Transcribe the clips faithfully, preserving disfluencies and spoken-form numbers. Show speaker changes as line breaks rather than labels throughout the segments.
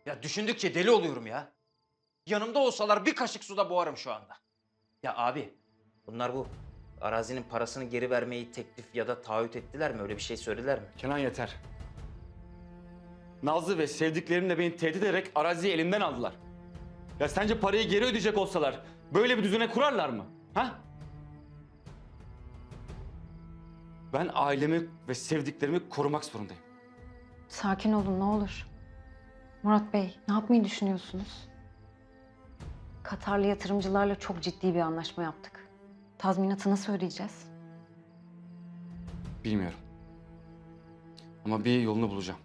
Ya düşündükçe deli oluyorum ya. Yanımda olsalar bir kaşık suda boğarım şu anda. Ya abi, bunlar bu arazinin parasını geri vermeyi teklif ya da taahhüt ettiler mi? Öyle bir şey söylediler mi?
Kenan yeter. Nazlı ve sevdiklerimle beni tehdit ederek araziyi elimden aldılar. Ya sence parayı geri ödeyecek olsalar böyle bir düzene kurarlar mı? Ha? Ben ailemi ve sevdiklerimi korumak zorundayım.
Sakin olun ne olur. Murat Bey, ne yapmayı düşünüyorsunuz? Katarlı yatırımcılarla çok ciddi bir anlaşma yaptık. Tazminatı nasıl ödeyeceğiz?
Bilmiyorum. Ama bir yolunu bulacağım.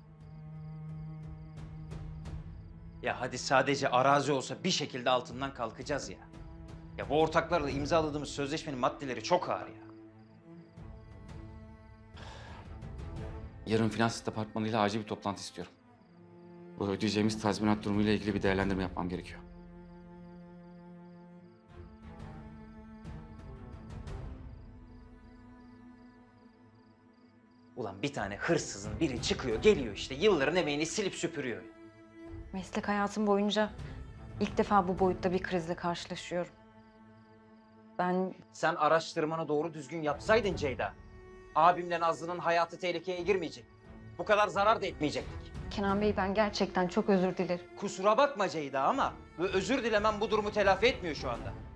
Ya hadi sadece arazi olsa bir şekilde altından kalkacağız ya. Ya bu ortaklarla imzaladığımız sözleşmenin maddeleri çok ağır ya.
Yarın finans departmanıyla acil bir toplantı istiyorum. Bu ödeyeceğimiz tazminat durumuyla ilgili bir değerlendirme yapmam gerekiyor.
Ulan bir tane hırsızın biri çıkıyor, geliyor işte yılların emeğini silip süpürüyor.
Meslek hayatım boyunca ilk defa bu boyutta bir krizle karşılaşıyorum. Ben
Sen araştırmanı doğru düzgün yapsaydın Ceyda, abimle Nazlı'nın hayatı tehlikeye girmeyecek. Bu kadar zarar da etmeyecektik.
Kenan Bey ben gerçekten çok özür dilerim.
Kusura bakma Ceyda ama bu özür dilemem bu durumu telafi etmiyor şu anda.